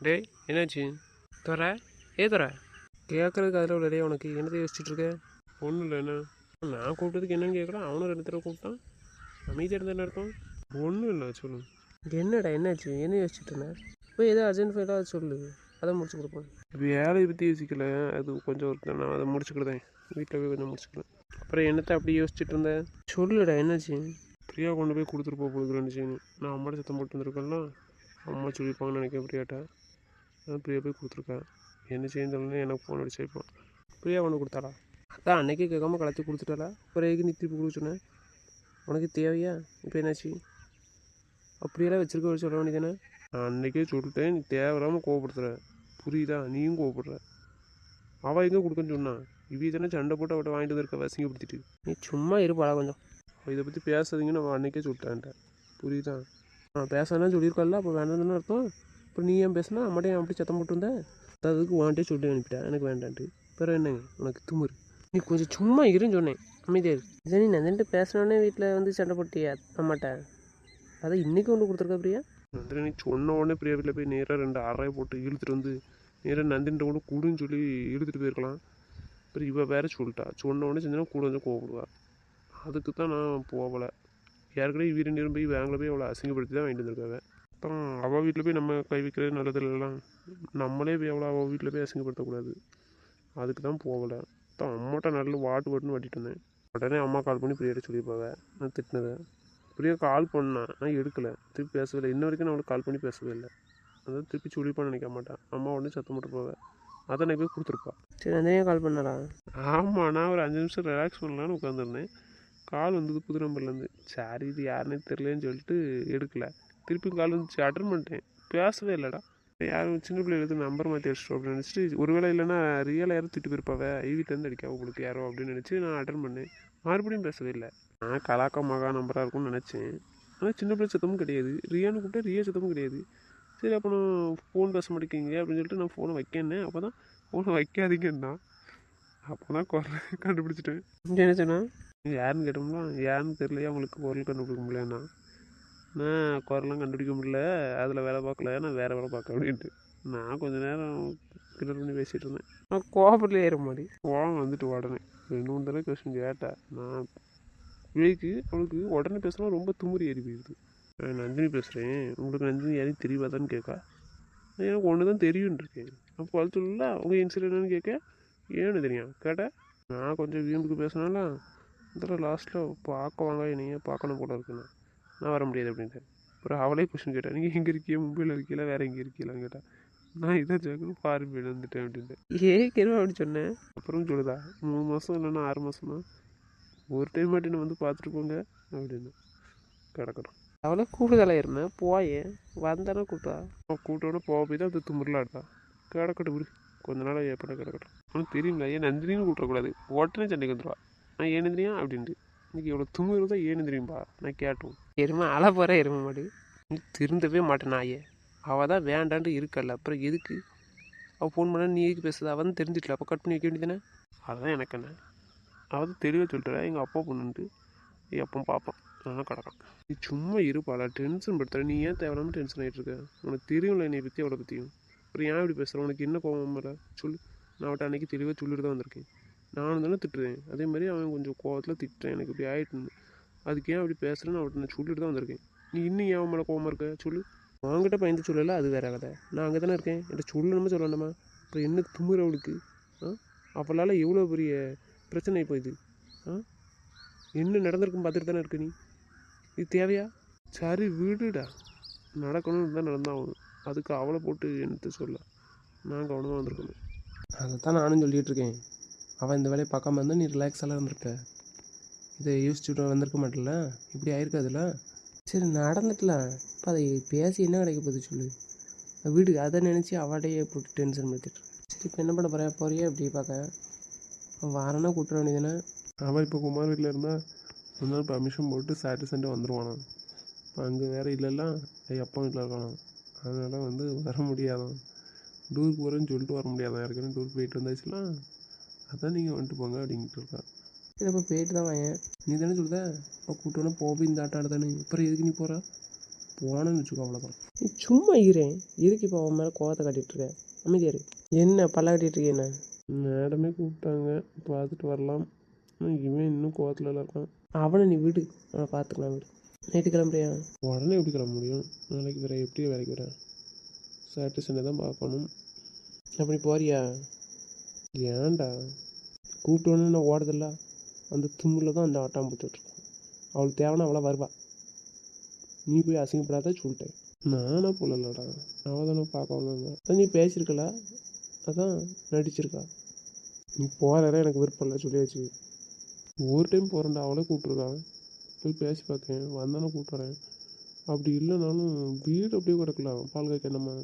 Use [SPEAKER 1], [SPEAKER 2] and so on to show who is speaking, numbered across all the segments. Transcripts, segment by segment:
[SPEAKER 1] டேய் என்னாச்சு தர தர கேட்குறதுக்கு அதில் உள்ள டே உனக்கு என்னத்தை யோசிச்சுட்ருக்க ஒன்றும் இல்லை என்ன நான் கூப்பிட்டதுக்கு என்னன்னு கேட்குறான் அவனும் 2 தடவை கூப்பிட்டான் அமைதியாக இருந்தா இருக்கும் ஒன்றும் இல்லை சொல்லு என்னடா என்னாச்சு என்ன யோசிச்சுட்டு இருந்தேன் போய் ஏதோ அர்ஜென்ட் ஃபைலாக சொல்லு அதை முடிச்சு கொடுப்பேன் வேலையை பற்றி யோசிக்கல அது கொஞ்சம் ஒருத்தர் நான் அதை முடிச்சுக்கிட்டேன் வீட்டில் போய் கொஞ்சம் முடிச்சுக்கிறேன் அப்புறம் என்னத்தை அப்படி யோசிச்சுட்டு இருந்தேன் சொல்லுடா என்னாச்சு பிரியா கொண்டு போய் கொடுத்துட்டு போகிறேன்னு செய்யணும் நான் அம்மாட்ட சத்தம் போட்டு வந்துருக்கேன்னா அம்மா சொல்லியிருப்பாங்கன்னு நினைக்கிறேன் பிரியாட்ட அதான் பிரியா போய் கொடுத்துருக்கேன் என்ன செய்யணும்னு எனக்கு ஃபோன் அடிச்சு வைப்பான் பிரியா கொண்டு கொடுத்தாளா அதான் அன்றைக்கே கேட்காம கலத்தி கொடுத்துட்டாளா பிறகு நீ திருப்பி கொடுக்க சொன்னேன் உனக்கு தேவையா இப்போ என்னாச்சு அப்படியெல்லாம் வச்சுருக்க சொல்ல வேண்டியதானே நான் அன்றைக்கே சொல்லிட்டேன் நீ தேவையில்லாமல் கோவப்படுத்துகிற புரியுதா நீயும் கோவப்படுற அவள் எங்கே கொடுக்கன்னு சொன்னான் இவ தானே சண்டை போட்டு அவட்ட வாங்கிட்டு வந்திருக்க வசிங்கப்படுத்திட்டு நீ சும்மா இருப்பாளா கொஞ்சம் இதை பற்றி பேசாதீங்கன்னு அவன் அன்றைக்கே சொல்லிட்டான்ட்ட புரியுதா பேசாதான் சொல்லியிருக்கல அப்போ வேண்டாம்னு அர்த்தம் இப்போ நீ ஏன் பேசினா அம்மாட்டையும் அப்படி சத்தம் போட்டுருந்தேன் அதுக்கு வாண்டே சொல்லி அனுப்பிட்டேன் எனக்கு வேண்டான்ட்டு பிறகு என்னங்க உனக்கு துமுறு நீ கொஞ்சம் சும்மா இருன்னு சொன்னேன் அமைதியாக இரு இதை நீ நந்தின்ட்டு பேசினோடனே வீட்டில் வந்து சண்டை போட்டியா அம்மாட்ட அதை இன்றைக்கி ஒன்று கொடுத்துருக்கா பிரியா நந்தினி நீ சொன்ன உடனே பிரியா வீட்டில் போய் நேராக 2 அறையை போட்டு இழுத்துட்டு வந்து நேராக நந்தின்ட்ட கூட கூடுன்னு சொல்லி இழுத்துட்டு போயிருக்கலாம் அப்புறம் இவள் வேற சொல்லிட்டா சொன்ன உடனே செஞ்சா கூட வந்து கோவப்படுவா அதுக்கு தான் நான் போகலை ஏற்கனவே வீரன் நேரம் போய் வேங்கில் போய் அவளை அசிங்கப்படுத்தி தான் வாங்கிட்டு வந்திருக்காங்க அப்புறம் அவள் வீட்டில் போய் நம்ம கை வைக்கிறது நல்லது இல்லைலாம் நம்மளே போய் அவள் வீட்டில் போய் அசிங்கப்படுத்தக்கூடாது அதுக்கு தான் போகலை தான் அம்மாட்ட நல்ல வாட்டுன்னு வாட்டிட்டு இருந்தேன் உடனே அம்மா கால் பண்ணி பிரியாட்ட சொல்லியிருப்பாங்க நான் திட்டினதை பிரியா கால் பண்ணேன் நான் எடுக்கலை திருப்பி பேசவே இல்லை இன்ன வரைக்கும் நான் அவளுக்கு கால் பண்ணி பேசவே இல்லை அதான் திருப்பி சொல்லிப்பான்னு நினைக்க மாட்டேன் அம்மா உடனே சத்தம் போட்டு போவேன் அதை நான் போய் கொடுத்துருப்பா சரி நந்தினியாக கால் பண்ணாரா ஆமாம் நான் ஒரு 5 நிமிஷம் ரிலாக்ஸ் பண்ணலான்னு உட்காந்துருந்தேன் கால் வந்தது புது நம்பர்லேருந்து சரி இது யாருன்னே தெரியலன்னு சொல்லிட்டு எடுக்கலை திருப்பி கால் வந்துச்சு அட்டன் பண்ணிட்டேன் பேசவே இல்லைடா யாரும் சின்ன பிள்ளைகளுக்கு நம்பர் மாற்றி வச்சிட்டோம் அப்படின்னு நினச்சிட்டு ஒருவேளை இல்லைன்னா ரியலாக யாரும் திட்டு போயிருப்பாவே வீட்டிலேருந்து அடிக்கா உங்களுக்கு யாரோ அப்படின்னு நினச்சி நான் அட்டன் பண்ணேன் மறுபடியும் பேசவே இல்லை நான் கலாக்கா மகா நம்பராக இருக்கும்னு நினச்சேன் ஆனால் சின்ன பிள்ளை சத்தமும் கிடையாது ரியான்னு கூப்பிட்டா ரியா சத்தமும் கிடையாது சரி அப்போ நான் ஃபோன் பேச மாட்டேங்கிங்க அப்படின்னு சொல்லிட்டு நான் ஃபோனை வைக்கேன்னேன் அப்போ தான் ஃபோனை வைக்காதீங்கன்னா அப்போ தான் குரல் கண்டுபிடிச்சிட்டேன் என்ன சொன்னேன் யாருன்னு கேட்டோம்னா யாருன்னு தெரியலையா அவங்களுக்கு குரல் கண்டுபிடிக்க முடியலண்ணா நான் குரலாம் கண்டுபிடிக்க முடியல அதில் வேலை பார்க்கல நான் வேறு வேலை பார்க்க அப்படின்ட்டு நான் கொஞ்சம் நேரம் கிளர் பண்ணி பேசிகிட்டு இருந்தேன் நான் கோபத்தில் ஏற மாதிரி கோபம் வந்துட்டு உடனே 2-3 தடவை கொஸ்டின் கேட்டேன் நான் அவளுக்கு உடனே பேசினா ரொம்ப துமுறி ஏறி போயிடுது நந்தினி பேசுகிறேன் உங்களுக்கு நந்தினி யாரையும் தெரியாதான்னு கேட்கா எனக்கு ஒன்று தான் தெரியும்னு இருக்கேன் அப்போ அது சொல்லல உங்கள் இன்சிடென்ட் என்னன்னு கேட்க ஏன்னு தெரியும் கேட்டேன் நான் கொஞ்சம் வீம்புக்கு பேசினால இதில் லாஸ்ட்டில் பார்க்க வாங்க என்னையே பார்க்கணும் போல இருக்குண்ணா நான் வர முடியாது அப்படின்ட்டு அப்புறம் அவளே கொஸ்டின் கேட்டேன் நீங்கள் எங்கே இருக்கீங்க மும்பையில் இருக்கீங்களா வேறு எங்கே இருக்கீங்களான்னு கேட்டேன் நான் இதை ஜாக்கணும் ஃபாரின் போயிட்டு வந்துட்டேன் அப்படின்ட்டு ஏற்கனவே அப்படி சொன்னேன் அப்புறம் சொல்லுதா 3 மாதம் இல்லைன்னா 6 மாதமா ஒரு டைம் மட்டும் நான் வந்து பார்த்துட்டு போங்க அப்படின்னு கிடக்கணும் அவளை கூடுதலாக இருந்தேன் போயே வந்தானே கூப்பிட்டா கூட்டோட போக போய் தான் அது துமுறலாட்டா கிடக்கட்டும் விடு கொஞ்ச நாள் எப்படா கிடக்கட்டும் உனக்கு தெரியுங்களா ஏன் நந்தினின்னு கூப்பிடக்கூடாது உடனே சண்டைக்கு வந்துடுவா நான் ஏன் நந்தினியா அப்படின்ட்டு இன்னைக்கு எவ்வளோ துமுறு தான் ஏன்னு தெரியும்பா நான் கேட்டோம் எருமை அழ போகிற எருமை மாடு நீ திருந்தவே மாட்டேன் நாயே அவள் தான் வேண்டான்ட்டு இருக்கல அப்புறம் எதுக்கு அவள் ஃபோன் பண்ணா நீ எதுக்கு பேசுது அவள் தான் தெரிஞ்சிட்டல அப்போ கட் பண்ணி வைக்க வேண்டியதானே அதுதான் எனக்கு என்ன அவள் தான் தெளிவாக சொல்லிட்டுறா எங்கள் அப்பா பொண்ணுன்ட்டு எப்போ பார்ப்பான் அதெல்லாம் கிடக்கும் நீ சும்மா இருப்பாளா டென்ஷன் படுத்துற நீ ஏன் தேவையில்லாமல் டென்ஷன் ஆகிட்டு இருக்க உனக்கு தெரியும்ல என்னை பற்றி அவளை பற்றியும் அப்புறம் ஏன் இப்படி பேசுகிறேன் உனக்கு என்ன கோவம் மேலே சொல்லு நான் அவட்ட அன்றைக்கி தெளிவாக சொல்லிட்டு தான் வந்திருக்கேன் நானும் தானே திட்டுறேன் அதே மாதிரி அவன் கொஞ்சம் கோவத்தில் திட்டுறேன் எனக்கு இப்படி ஆகிட்டு அதுக்கு ஏன் அப்படி பேசுகிறேன்னு அவட்ட நான் சொல்லிட்டு தான் வந்திருக்கேன் நீ இன்னும் ஏன் மேலே கோவமாக இருக்க சொல்லு வாங்கிட்ட பயந்து சொல்லலை அது வேற கதை நான் அங்கே தானே இருக்கேன் என்கிட்ட சொல்லணுமா சொல்லணுமா அப்புறம் என்ன துமுற அவளுக்கு அவளால் எவ்வளோ பெரிய பிரச்சனை இப்போ இது என்ன நடந்திருக்குன்னு பார்த்துட்டு தானே இருக்கு நீ இது தேவையா சரி விடுடா நடக்கணும்னு தான் நடந்தாகணும் அதுக்கு அவளை போட்டு என்னத்தை சொல்ல நான் கவனமாக வந்திருக்கணும் அதை தான் நானும் சொல்லிகிட்டு இருக்கேன் அவள் இந்த வேலையை பார்க்காம இருந்தால் நீ ரிலாக்ஸாக இருந்திருக்க இதை யோசிச்சுட்டு வந்திருக்க மாட்டல இப்படி ஆயிருக்காதுல்ல சரி நடந்துக்கலாம் இப்போ அதை பேசி என்ன கிடைக்க போகுது சொல்லு வீடு அதை நினச்சி அவடையே போட்டு டென்ஷன் படுத்திட்டு சரி இப்போ என்ன பண்ண போகிறேன் போறியா இப்படி பார்க்க வாரனா கூப்பிட வேண்டியதானே அவன் இப்போ குமார் வீட்டில் இருந்தால் ஒரு நாள் பர்மிஷன் போட்டு சாட்டர்டே சண்டே வந்துடுவானா இப்போ அங்கே வேறு இல்லைல்லாம் அப்பா வீட்டில் இருக்கானா அதனால் வந்து வர முடியாதான் டூருக்கு போகிறேன்னு சொல்லிட்டு வர முடியாதான் ஏற்கனவே டூருக்கு போயிட்டு வந்தாச்சுலாம் அதான் நீங்கள் வந்துட்டு போங்க அப்படின்ட்டு இருக்கா சரி அப்போ போயிட்டு தான் வாங்க நீ தானே சொல்லுத இப்போ கூட்டோன்னா போய் இந்த ஆட்டம் ஆடுதானே அப்புறம் எதுக்கு நீ போகிறா போனேன்னு வச்சுக்கோ அவ்வளோதான். நீ சும்மா இருறேன், எதுக்கு இப்போ அவன் மேலே கோவத்தை காட்டிகிட்டு இருக்க? அமைதியாரு. என்ன பல்ல காட்டிகிட்டு இருக்கே? என்ன மேடமே கூப்பிட்டாங்க, பார்த்துட்டு வரலாம். இவன் இன்னும் கோவத்தில் இருக்கான். அவனை நீ விடு, அவனை பார்த்துக்கலாம் விடு. நைட்டு கிளம்புறியா? உடனே எப்படி கிளம்ப முடியும்? நாளைக்கு வேறு எப்படி வேலைக்கு வரேன்? சாட்டர்டே சண்டே தான் பார்க்கணும். அப்படி போறியா? ஏன்டா கூப்பிட்டோன்னு நான் ஓடுதில்ல, அந்த தும்மில் தான் அந்த ஆட்டம் போட்டுட்ருக்கான். அவளுக்கு தேவைன்னா அவளை வருவா. நீ போய் அசிங்கப்படாத சொல்லிட்டேன். நானா போலலடா, அவள் தானே பார்க்க வந்தாங்க. அதான் நீ பேசியிருக்கல, அதான் நடிச்சிருக்கா. நீ போகிறத எனக்கு விருப்பம் இல்லை சொல்லியாச்சு. ஒரு டைம் போகிறேன்டா, அவளே கூப்பிட்ருக்கான். போய் பேசி பார்க்கேன், வந்தானே கூப்பிட்றேன். அப்படி இல்லைனாலும் வீடு அப்படியே கிடக்கலாம். பால் காய்க்க என்னம்மா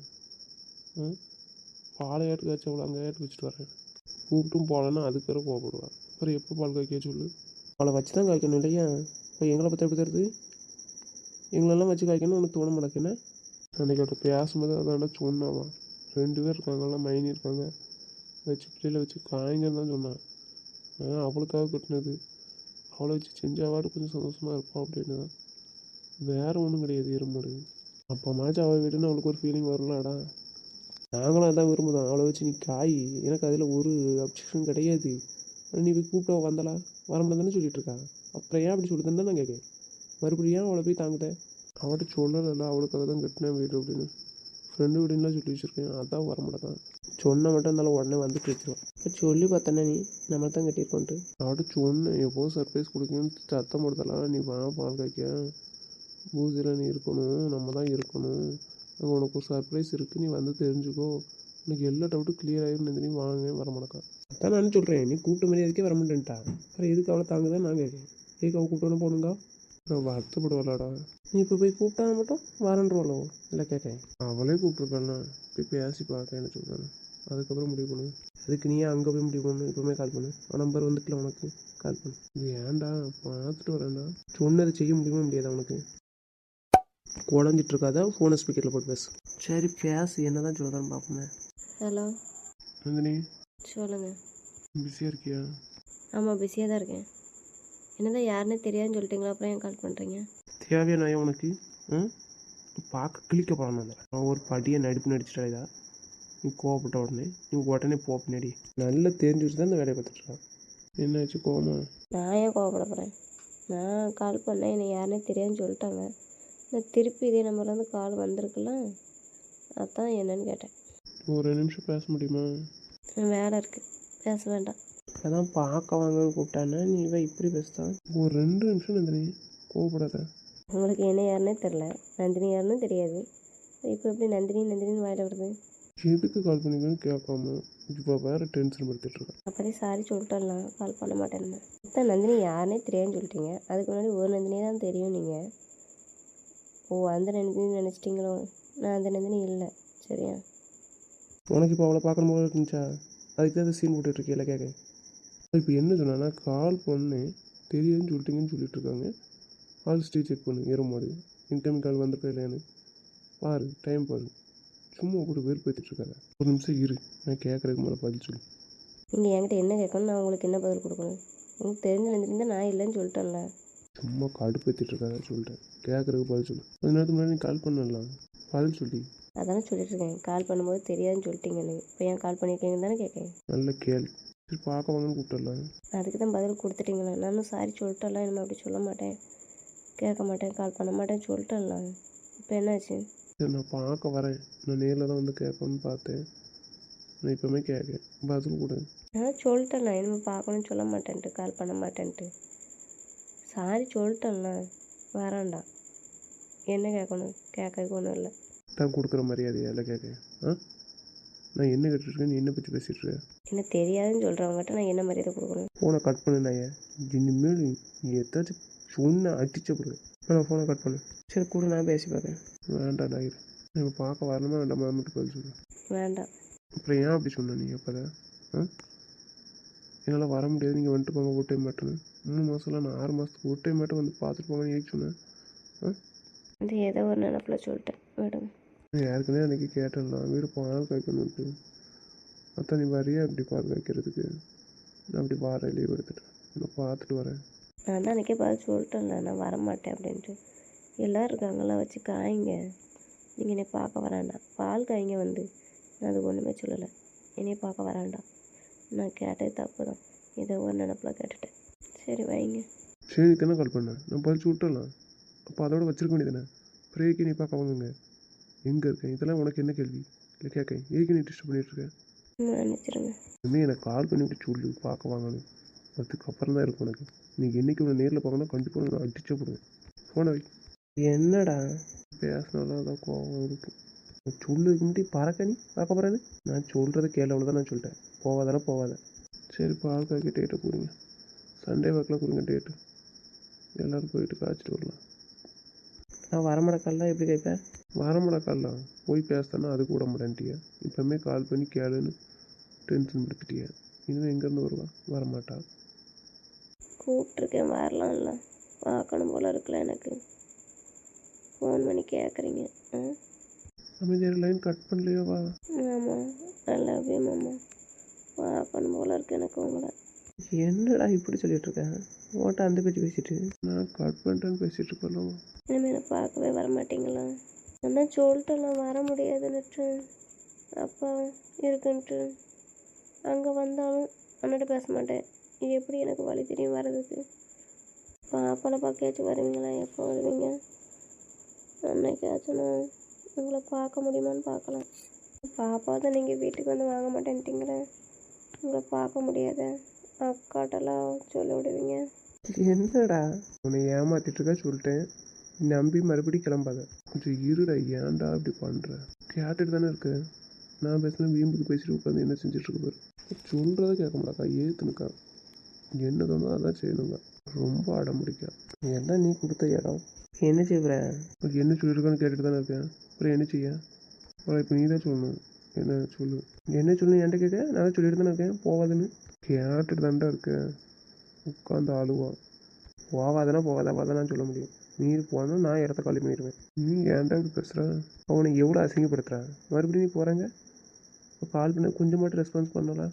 [SPEAKER 1] பாலை ஏட்டு காய்ச்சி அவளை அங்கே ஏட்டு வச்சுட்டு வரேன். கூப்பிட்டும் போகலன்னா அதுக்கு வேறு கோவப்படுவாள். அப்புறம் எப்போ பால் காய்க்க சொல்லு? அவளை வச்சு தான் காய்க்கணும் இல்லையா? இப்போ எங்களை பற்றி எப்படி தருது? எங்களெல்லாம் வச்சு காய்க்கணும் உனக்கு தோண மாட்டேக்குன்னா? அன்றைக்கி அவட்ட பேசும்போது அதான்டா சொன்னாவா. 2 பேர் இருக்காங்கலாம், மைனி இருக்காங்க, வச்சு பிள்ளையில் வச்சு காய்ங்கன்னு தான் சொன்னான். அவளுக்காக கட்டினது, அவளை வச்சு செஞ்சாவாடு கொஞ்சம் சந்தோஷமாக இருப்பான் அப்படின்னு தான். வேறு ஒன்றும் கிடையாது. எறுமாடு அப்போ மாச்சு அவள் வீடுன்னு அவளுக்கு ஒரு ஃபீலிங் வரலாடா. நாங்களும் அதான் விரும்புதான், அவளை வச்சு நீ காய். எனக்கு அதில் ஒரு அப்ஜெக்ஷன் கிடையாது. நீ போய் கூப்பிட்டா வந்தலா வர முடியாது தானே சொல்லிட்டு இருக்கா. அப்புறம் ஏன் அப்படி சொல்லுதுன்னு தான் நான் கேட்கேன். மறுபடியும் ஏன் அவளை போய் தாங்குதேன்? அவட்ட சொல்லலைல்ல, அவளுக்காக தான் கட்டினேன் வீடு அப்படின்னு. ஃப்ரெண்டு வீடுன்னா சொல்லி வச்சுருக்கேன், அதான் வர மாட்டேன். சொன்ன மட்டும் இருந்தாலும் உடனே வந்துட்டு வச்சுருவான். இப்போ சொல்லி பார்த்தேன்னா நீ நம்ம தான் கட்டியிருக்கோன்ட்டு. அவட்ட சொன்னேன் எப்போது சர்ப்ரைஸ் கொடுக்கணும்னு சத்தம் போடுதலாம். நீ வா பால் காய்க்க, பூஜையில் நீ இருக்கணும், நம்ம தான் இருக்கணும், அங்கே உனக்கு ஒரு சர்ப்ரைஸ் இருக்குது, நீ வந்து தெரிஞ்சுக்கோ, எனக்கு எல்லா டவுட்டும் கிளியர் ஆகிடும். நீ வாங்க வர மாட்டேக்கா. அதான் நான் சொல்கிறேன், நீ கூப்பிட்ட மாதிரி எதுக்கே வர மாட்டேன்ட்டா. அப்புறம் எதுக்கு அவளை தாங்குதான் நான் கேட்கேன். எதுக்கு அவள் கூப்பிட்டோன்னு போகணுங்கா? நான் வருத்தப்படுவாளாடா. நீ இப்போ போய் கூப்பிட்டா மட்டும் வரன்றோளோ இல்லை கேட்கேன். அவளே கூப்பிட்ருக்காண்ணா, போய் பேசி பார்க்க என்ன சொல்கிறாங்க, அதுக்கப்புறம் முடிவு பண்ணுவேன். அதுக்கு நீ அங்கே போய் முடிவு பண்ணு. இப்போவுமே கால் பண்ணு, நம்பர் வந்துட்டுல உனக்கு, கால் பண்ணு. ஏன்டா பார்த்துட்டு வரேன்டா. சொன்னது செய்ய முடியுமா முடியாதா உனக்கு? குழஞ்சிட்டு இருக்காதா, ஃபோனை ஸ்பீக்கரில் போட்டு பேசு. சரி பேசு, என்ன தான் சொல்லுதான்னு பார்ப்போமே.
[SPEAKER 2] ஹலோ
[SPEAKER 1] நந்தினி,
[SPEAKER 2] சொல்லுங்கள்.
[SPEAKER 1] பிஸியாக இருக்கியா?
[SPEAKER 2] ஆமாம் பிஸியாக தான் இருக்கேன். என்னதான் யாருன்னே தெரியாதுன்னு சொல்லிட்டீங்களா, அப்புறம் ஏன் கால் பண்ணுறீங்க?
[SPEAKER 1] தேவையா நான் உனக்கு பார்க்க கிளிக்க போகலாம். நான் ஒரு படியை நடிப்பு நடிச்சிட்டா, நீ கோவப்பட்ட உடனே போ பின்னாடி. நல்லா தெரிஞ்சு வச்சு தான் இந்த வேலையை பார்த்துட்ருக்கான். என்னாச்சு கோவமா?
[SPEAKER 2] நான் ஏன் கோவப்பட போகிறேன்? நான் கால் பண்ணேன், என்னை யாருன்னே தெரியாதுன்னு சொல்லிட்டாங்க. நான் திருப்பி இதே நம்பர்லேருந்து கால் வந்திருக்குல்ல, அதான் என்னன்னு கேட்டேன்.
[SPEAKER 1] ஒரு நிமிஷம் பேச முடியுமா?
[SPEAKER 2] வேலை இருக்குது, பேச வேண்டாம்.
[SPEAKER 1] அதான் பார்க்க வாங்கன்னு கூப்பிட்டானே, நீ இவன் இப்படி பேசுதான். ஒரு 2 நிமிஷம் நந்தினி, கோவப்படாத.
[SPEAKER 2] உங்களுக்கு என்ன யாருன்னே தெரில, நந்தினி யாருன்னு தெரியாது. இப்போ எப்படி நந்தினின்னு வாயில வருது?
[SPEAKER 1] எதுக்கு கால் பண்ணிக்கன்னு கேட்காம இப்போ வேறு டென்ஷன் படுத்திட்டுருக்கேன்.
[SPEAKER 2] அப்போதே சாரி சொல்லிட்டலாம், கால் பண்ண மாட்டேன்னு. இப்போ நந்தினி யாருன்னே தெரியாதுன்னு சொல்லிட்டீங்க. அதுக்கு முன்னாடி ஒரு நந்தினி தான் தெரியும் நீங்கள். ஓ அந்த நந்தினி நினச்சிட்டிங்களோ? நான் அந்த நந்தினி இல்லை, சரியா?
[SPEAKER 1] உனக்கு இப்போ அவளை பார்க்கணும் போல இருந்துச்சா? அதுக்கு தான் சீன் போட்டுட்ருக்கீங்களா கேட்க. இப்போ என்ன சொன்னா, கால் பண்ணேன் தெரியுதுன்னு சொல்லிட்டீங்கன்னு சொல்லிட்டு இருக்காங்க. கால் ஸ்டே செக் பண்ணு, ஏறுமாடு இன்கமிங் கால் வந்திருக்கா இல்லையான்னு பாரு, டைம் பாரு. சும்மா கூட வெறுப்பேற்றிட்டுருக்காங்க. ஒரு நிமிஷம் இரு, நான் கேட்குறதுக்கு மேலே பதில் சொல்லு.
[SPEAKER 2] நீங்கள் என்கிட்ட என்ன கேட்கணும், நான் உங்களுக்கு என்ன பதில் கொடுக்கணும்? உங்களுக்கு தெரிஞ்ச நந்தினி நான் இல்லைன்னு சொல்லிட்டேன்ல.
[SPEAKER 1] சும்மா கடுப்பேற்றிட்டுருக்காங்க சொல்லிட்டேன், கேட்குறதுக்கு பதில் சொல்லு. கொஞ்ச நேரத்துக்கு முன்னாடி நீ கால் பண்ணலாம், பதில் சொல்லி.
[SPEAKER 2] அதானே சொல்லிட்டுருக்கேன், கால் பண்ணும்போது தெரியாதுன்னு சொல்லிட்டீங்கன்னு. இப்போ ஏன் கால் பண்ணியிருக்கீங்கன்னு தானே கேட்கேன்.
[SPEAKER 1] நல்ல கேள்வி. சரி பார்க்க வாங்கன்னு கூப்பிட்டுடலாம்.
[SPEAKER 2] அதுக்கு தான் பதில் கொடுத்துட்டீங்களா? நானும் சாரி சொல்லிட்டலாம், இனிமேல் அப்படி சொல்ல மாட்டேன், கேட்க மாட்டேன், கால் பண்ண மாட்டேன்னு சொல்லிட்டலாம். இப்போ என்னாச்சு?
[SPEAKER 1] சரி நான் பார்க்க வரேன், நான் நேரில் தான் வந்து கேட்கணும்னு பார்த்தேன். நான் இப்போவுமே கேட்கேன், பதில் கொடு.
[SPEAKER 2] நான் சொல்லிட்டேன்ல, இனிமேல் பார்க்கணும்னு சொல்ல மாட்டேன்ட்டு, கால் பண்ண மாட்டேன்ட்டு. சாரி சொல்லிட்டேன்ல, வரேன்டா. என்ன கேட்கணும்? கேட்கறதுக்கு ஒன்றும் இல்லை.
[SPEAKER 1] தான் கொடுக்குற மரியாதையா இல்லை கேட்க? நான் என்ன கேட்டுருக்கேன், நீ என்ன பற்றி பேசிகிட்ருக்க?
[SPEAKER 2] என்ன தெரியாதுன்னு சொல்கிறவங்ககிட்ட நான் என்ன மரியாதை கொடுக்கணும்?
[SPEAKER 1] ஃபோனை கட் பண்ணு. நான் இனிமேல் நீ ஏதாச்சும் சொன்ன அடிச்ச கொடுங்க. நான் ஃபோனை கட் பண்ணு. சரி கூட நான் பேசி பார்க்குறேன். வேண்டாம் டாயிரு, நான் இப்போ பார்க்க வரணுமா வேண்டாம் மட்டும் பதில் சொல்லு.
[SPEAKER 2] வேண்டாம்.
[SPEAKER 1] அப்புறம் ஏன் அப்படி சொன்ன நீ? அப்போ தான் என்னால் வர முடியாது, நீங்கள் வந்துட்டு போங்க ஒரு டைம் மட்டும். 3 மாதம்லாம் நான் 6 மாதத்துக்கு ஒரு டைம் மட்டும் வந்து பார்த்துட்டு போங்கன்னு ஏன் சொன்னேன்?
[SPEAKER 2] அது ஏதோ ஒரு நினப்பில் சொல்லிட்டேன், விடுங்க.
[SPEAKER 1] நான் யாருக்குன்னே அன்றைக்கி கேட்டேன்ல, வீடு பால் காய்க்கணுன்ட்டு. அதான் நீ வரியா இப்படி பால் காய்க்கிறதுக்கு? நான் அப்படி வாரேன், லீவ் எடுத்துட்டேன், நான் பார்த்துட்டு வரேன்.
[SPEAKER 2] நான் தான் அன்றைக்கே பார்த்து சொல்லிட்டேன்ல, நான் வரமாட்டேன் அப்படின்ட்டு. எல்லோரும் இருக்காங்களாம் வச்சு காய்ங்க. நீங்கள் என்னை பார்க்க வராண்டாம். பால் காய்ங்க வந்து. நான் அதுக்கு ஒன்றுமே சொல்லலை. என்னைய பார்க்க வராண்டாம். நான் கேட்டது தப்பு தான். ஏதோ ஒரு நினப்பில் கேட்டுட்டேன். சரி வைங்க.
[SPEAKER 1] சரி தானே கால் பண்ணேன், நான் பறிச்சு விட்டுடலாம். அப்போ அதோட வச்சிருக்க வேண்டியதானே. பிரேக்கு நீ பார்க்க வாங்குங்க. எங்கே இருக்கேன் இதெல்லாம் உனக்கு என்ன கேள்வி இல்லை கேட்கேன். ஏக்கு நீ டிஸ்டர்ப் பண்ணிகிட்ருக்கேன்.
[SPEAKER 2] மன்னிச்சிருங்க.
[SPEAKER 1] இனிமேல் எனக்கு கால் பண்ணி விட்டு சொல்லு பார்க்க வாங்கணும். அதுக்கப்புறம் தான் இருக்கும் உனக்கு. நீ என்றைக்கு உன்னை நேரில் பார்க்கணும் கண்டிப்பாக நான் அடிச்சே போடுவேன். ஃபோனை வை. என்னடா பேசினாலும் அதான் கோவம் இருக்கு. சொல்லுக்கு முன்னாடி பறக்க நீ பார்க்க போகிறேன்னு நான் சொல்கிறத கேள்வி அவ்வளோதான். நான் சொல்லிட்டேன் போவாதானே போவாத. சரி பால் காய்க்க டேட்டை கொடுங்க. சண்டே வாக்கில் கொடுங்க டேட்டு. எல்லோரும் போயிட்டு காய்ச்சிட்டு வரலாம். நான் வரமடக்கால்லாம் எப்படி கேட்பேன்? வரமடக்கால்லாம் போய் பேசுதானா அது கூட மாட்டேன்ட்டியா. இப்போமே கால் பண்ணி கேளுன்னு டென்ஷன் படுத்திட்டியா. இனிமேல் எங்கேருந்து வருவா? வரமாட்டா.
[SPEAKER 2] கூப்பிட்ருக்கேன் வரலாம்ல. பார்க்கணும் போல் இருக்குல்ல எனக்கு. ஃபோன் பண்ணி கேட்குறீங்க.
[SPEAKER 1] அமைதியாக லைன் கட் பண்ணலையோ? வா.
[SPEAKER 2] ஆமாம் ஐ லவ் யூ மாமா. பார்க்கணும் போல் இருக்கு எனக்கு உங்களை.
[SPEAKER 1] என்னடா இப்படி சொல்லிட்டு இருக்கேன்? ஓட்ட அந்த பேச்சு பேசிட்டு நான் கட் பண்ணிட்டேன்னு பேசிட்டு இருக்கோம்.
[SPEAKER 2] இனிமேல் என்னை பார்க்கவே வர மாட்டீங்களா? அதான் சொல்லிட்டுலாம் வர முடியாதுன்னுட்டு. அப்பா இருக்குன்ட்டு அங்கே வந்தாலும் அண்ணாட்ட பேச மாட்டேன். இது எப்படி எனக்கு வழி தெரியும் வர்றதுக்கு? பாப்பாவை பார்க்காச்சும் வருவீங்களா? எப்போ வருவீங்க? அன்னைக்காச்சும் நான் உங்களை பார்க்க முடியுமான்னு பார்க்கலாம். பாப்பாவை தான் நீங்கள் வீட்டுக்கு வந்து வாங்க மாட்டேன்ட்டிங்களே. உங்களை பார்க்க முடியாத அக்காட்டெல்லாம் சொல்ல விடுவீங்க.
[SPEAKER 1] என்னடா உன்னை ஏமாத்திட்டு இருக்கா சொல்லிட்டேன். நம்பி மறுபடியும் கிளம்பாத. கொஞ்சம் இருடா. ஏன்டா அப்படி பண்ணுற? கேட்டுட்டு தானே இருக்கு. நான் பேசினா வீம்புக்கு பேசிட்டு உட்காந்து என்ன செஞ்சிட்ருக்க பாரு. சொல்கிறத கேட்க மாட்டாக்கா. ஏற்றுனுக்கா. என்ன தோணுதோ அதான் செய்யணுங்க. ரொம்ப அடம் பிடிக்கா. எல்லாம் நீ கொடுத்த இடம். என்ன செய்கிற? என்ன சொல்லியிருக்கான்னு கேட்டுட்டு தானே இருக்கேன். அப்புறம் என்ன செய்ய? அப்புறம் இப்போ நீ தான் சொல்லணும். என்ன சொல்லு. என்ன சொல்லணும் என்கிட்ட கேட்க? நான் தான் சொல்லிட்டு தானே இருக்கேன் போவாதுன்னு. கேட்டுட்டு தான்டா இருக்கேன். உட்காந்து ஆளுவான். போவாதானா போவாதான் நான் சொல்ல முடியும். நீ போனால் நான் இடத்த காலி பண்ணிடுவேன். நீ ஏன்டா இப்படி பேசுகிற? அவனை எவ்வளோ அசிங்கப்படுத்துகிறான். மறுபடியும் நீ போகிறாங்க. இப்போ கால் பண்ண கொஞ்சம் மட்டும் ரெஸ்பான்ஸ் பண்ணலாம்.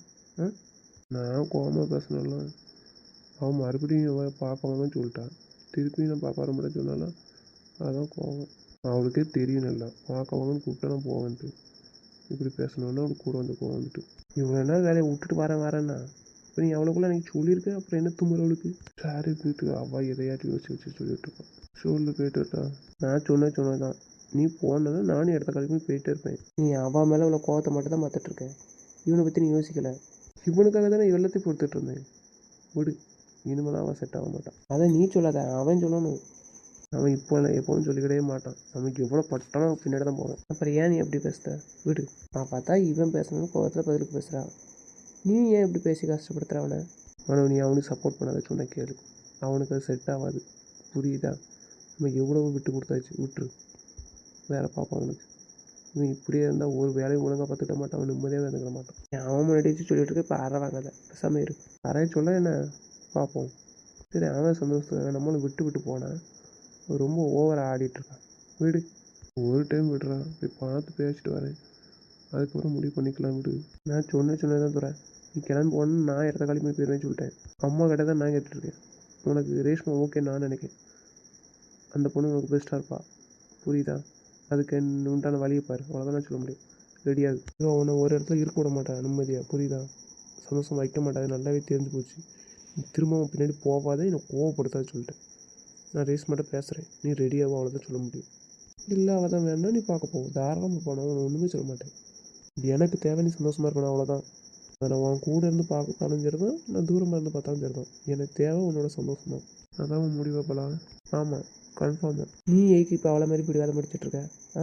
[SPEAKER 1] நான் கோவமாக பேசினாலும் அவன் மறுபடியும் அவன் பார்க்க வாங்கன்னு சொல்லிட்டான். திருப்பி நான் பார்க்க வர மாட்டேன்னு சொன்னாலும் அதான் கோவம். அவளுக்கே தெரியும் நல்லா. பார்க்க வாங்கன்னு கூப்பிட்டா நான் போவேன்ட்டு. இப்படி பேசணுன்னா அவனுக்கு கூட வந்து கோவம் வந்துட்டு இவ்வளோ நாள் வேலையை விட்டுட்டு வரேன்னா இப்போ நீ அவ்வளோக்குள்ள எனக்கு சொல்லியிருக்க. அப்புறம் என்ன தும்புறவளுக்கு? சாரி போயிட்டு அவள் எதையாட்டி வச்சு சொல்லிட்டு இருப்பான். சொல்லு போயிட்டுட்டா. நான் சொன்னதான். நீ போனதுன்னா நானும் இடத்த காலி பண்ணி போயிட்டே இருப்பேன். நீ அவள் மேலே உள்ள கோவத்தை மட்டும் தான் பார்த்துட்ருக்கேன். இவனை பற்றி நீ யோசிக்கலை. இவனுக்காக தானே எல்லாத்தையும் பொறுத்துட்டு இருந்தேன். விடு. இனிமேல் அவன் செட் ஆக மாட்டான். அதை நீ சொல்லாத, அவன் சொல்லணும். அவன் இப்போ எப்பவும் சொல்லிக்கிட்டே மாட்டான். நமக்கு எவ்வளோ பட்டாலும் பின்னாடி தான் போவேன். அப்புறம் ஏன் நீ எப்படி பேசுத? விடு. நான் பார்த்தா இவன் பேசணும்னு கோவத்தில் பதிலுக்கு பேசுகிறான். நீ ஏன் இப்படி பேசி கஷ்டப்படுத்துகிற அவனை? ஆனால் நீ அவனுக்கு சப்போர்ட் பண்ணாத. சொன்ன கேளு. அவனுக்கு அது செட் ஆகாது. புரியுதா? நம்ம எவ்வளோ விட்டு கொடுத்தாச்சு. விட்டுரு. வேறு பார்ப்பான் அவனுக்கு. இவன் இப்படியே இருந்தால் ஒரு வேலையும் ஒழுங்காக பார்த்துக்கிட்ட மாட்டான். அவன் நிம்மதியாக இருந்துக்கிட மாட்டான். அவன் முன்னாடி வச்சு சொல்லிட்டு இருக்க. இப்போ அரை வாங்காத. பேசாமல் இரு. அறைய சொல்ல என்ன பார்ப்போம். சரி அவன் சந்தோஷத்துக்காக நம்மளும் விட்டு போனான். ரொம்ப ஓவராக ஆடிட்டுருக்கான். விடு. ஒரு டைம் விடுறான். போய் பார்த்து பேசிட்டு வரேன். அதுக்கப்புறம் முடிவு பண்ணிக்கலாம். விடு. நான் சொன்னதான் தரேன். நீ கிளம்பி போகணுன்னு நான் இடத்த காலி பண்ணி போயிடுவேன்னு சொல்லிட்டேன். அம்மா கிட்ட தான் நான் கேட்டுருக்கேன். உனக்கு ரேஷ்மா ஓகே நான் நினைக்கிறேன். அந்த பொண்ணு உனக்கு பெஸ்ட்டாக இருப்பா. புரியுதா? அதுக்கு உண்டான வழியை பாரு. அவ்வளோதான் நான் சொல்ல முடியும். ரெடியாகு. அவனை ஒரு இடத்துல இருக்க விட மாட்டேன் நிம்மதியாக. புரியுதா? சந்தோஷம் வைக்க மாட்டாது. நல்லாவே தெரிஞ்சு போச்சு. நீ திரும்பவும் பின்னாடி போகாத. என்னை கோவப்படுத்தாது சொல்லிட்டேன். நான் ரேஷ்மாட்ட பேசுகிறேன். நீ ரெடியாகும். அவ்வளோதான் சொல்ல முடியும். இல்லை அவள் தான் வேணா நீ பார்க்க போகும். தாராளமாக போனோம். அவனை ஒன்றுமே சொல்ல மாட்டேன். எனக்கு தேவை நீ சந்தோஷமாக இருக்கணும். அவ்வளோதான். அதை நான் உன் கூட இருந்து பார்த்தாலும் சரி தான். நான் தூரமாக இருந்து பார்த்தாலும் சரி தான். எனக்கு தேவை உன்னோட சந்தோஷம் தான். அதான் உன் முடிவாப்பலாம். ஆமாம் கன்ஃபார்ம் தான். நீ ஏக்கு இப்போ அவளை மாதிரி பிடிவாத முடிச்சிட்ருக்க?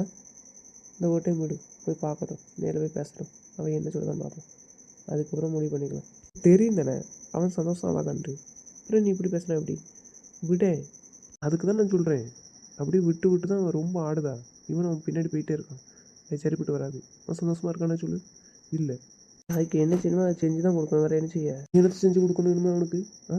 [SPEAKER 1] இந்த ஒரு டைம் விடு. போய் பார்க்கட்டும். நேரில் போய் பேசட்டும். அவன் என்ன சொல்லுதான் பார்ப்போம். அதுக்கப்புறம் முடிவு பண்ணிக்கலாம். தெரியும் தானே அவன் சந்தோஷம் ஆகாதான்ட்டு. அப்புறம் நீ இப்படி பேசுனா எப்படி? விடே. அதுக்கு தான் நான் சொல்கிறேன். அப்படியே விட்டு தான் அவன் ரொம்ப ஆடுதா. இவன் அவன் பின்னாடி போயிட்டே இருக்கான். அது சரிப்பட்டு வராது. அவன் சந்தோஷமாக இருக்கானே சொல்லு. இல்லை. அதுக்கு என்ன செய்யணுமோ அதை செஞ்சு தான் கொடுக்கணும். வேறு என்ன செய்ய? எனக்கு செஞ்சு கொடுக்கணும் இனிமேல் அவனுக்கு.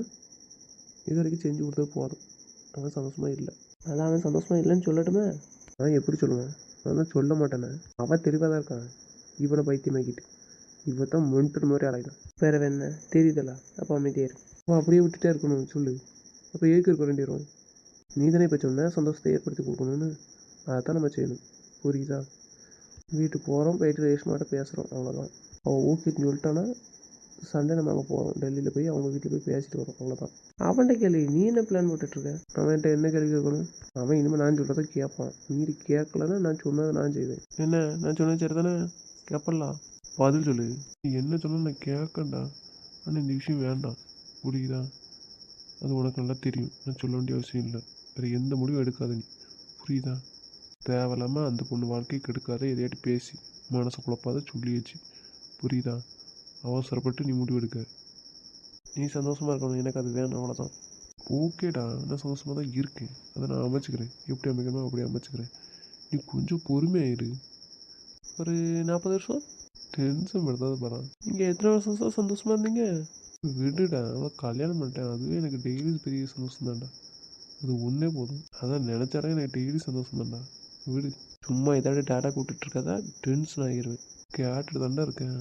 [SPEAKER 1] இது வரைக்கும் செஞ்சு கொடுத்தது போதும். அவன் சந்தோஷமாக இல்லை. அதான் அவன் சந்தோஷமாக இல்லைன்னு சொல்லட்டுமே. நான் எப்படி சொல்லுவேன்? நான் தான் சொல்ல மாட்டேனே. அவன் தெளிவாக தான் இருக்கான். இவனை பைத்தியமாக்கிட்டு இவன் தான் மென்டல் மாதிரி அலைதான். வேறு என்ன தெரியுதல்ல? அப்போ அமைதியாக இருக்கு. அவன் அப்படியே விட்டுட்டே இருக்கணும் சொல்லு. அப்போ ஏக்கு இருக்க வேண்டியிருவான். நீ தானே இப்போ சொன்ன சந்தோஷத்தை ஏற்படுத்தி கொடுக்கணும்னு. அதான் நம்ம செய்யணும். புரியுதா? வீட்டுக்கு போகிறோம், போயிட்டு ரேஷ்மாட்ட பேசுகிறோம், அவ்வளோதான். அவள் ஓகேன்னு சொல்லிட்டானா சண்டே நம்ம அங்கே போகிறோம், டெல்லியில் போய் அவங்க வீட்டில் போய் பேசிட்டு வரோம், அவ்வளோதான். அவன்கிட்ட கேள்வி நீ என்ன பிளான் போட்டுட்ருக்க? அவன்கிட்ட என்ன கேள்வி கேட்கணும்? அவன் இனிமேல் நான் சொல்கிறத கேட்பான். மீறி கேட்கலன்னா நான் சொன்னதை நான் செய்வேன். என்ன நான் சொன்னது சரி தானே? கேட்பலாம். பதில் சொல்லு. நீ என்ன சொன்னால் நான் கேட்கண்டா. ஆனால் இந்த விஷயம் வேண்டாம். புரியுதா? அது உனக்கு நல்லா தெரியும். நான் சொல்ல வேண்டிய அவசியம் இல்லை. வேறு எந்த முடிவும் எடுக்காத நீ. புரியுதா? தேவையில்லாமல் அந்த பொண்ணு வாழ்க்கையை கெடுக்காத, எதையாட்டி பேசி மனசை குழப்பாத சொல்லியாச்சு. புரியுதா? அவசரப்பட்டு நீ முடிவு எடுக்க. நீ சந்தோஷமாக இருக்கணும், எனக்கு அது வேணும், அவ்வளோதான். ஓகேடா, நான் சந்தோஷமாக தான் இருக்கேன். அதை நான் அமைச்சிக்கிறேன். எப்படி அமைக்கணுமோ அப்படி அமைச்சிக்கிறேன். நீ கொஞ்சம் பொறுமையாயிரு. ஒரு 40 வருஷம் டென்ஷன் படுத்தாத பாரு. நீங்கள் எத்தனை வருஷம் சந்தோஷமாக இருந்தீங்க? விடுடா, அவளை கல்யாணம் பண்ணிட்டேன். அதுவே எனக்கு டெய்லி பெரிய சந்தோஷம் தான்டா. அது ஒன்றே போதும். அதான் நினச்சாலே எனக்கு டெய்லி சந்தோஷம் தான்டா. விடு. சும்மா ஏதாவது டேட்டா கூப்பிட்டு இருக்காதா, டென்ஷன் ஆகிடுவேன். கேட்டுட்டு தாண்டா இருக்கேன்.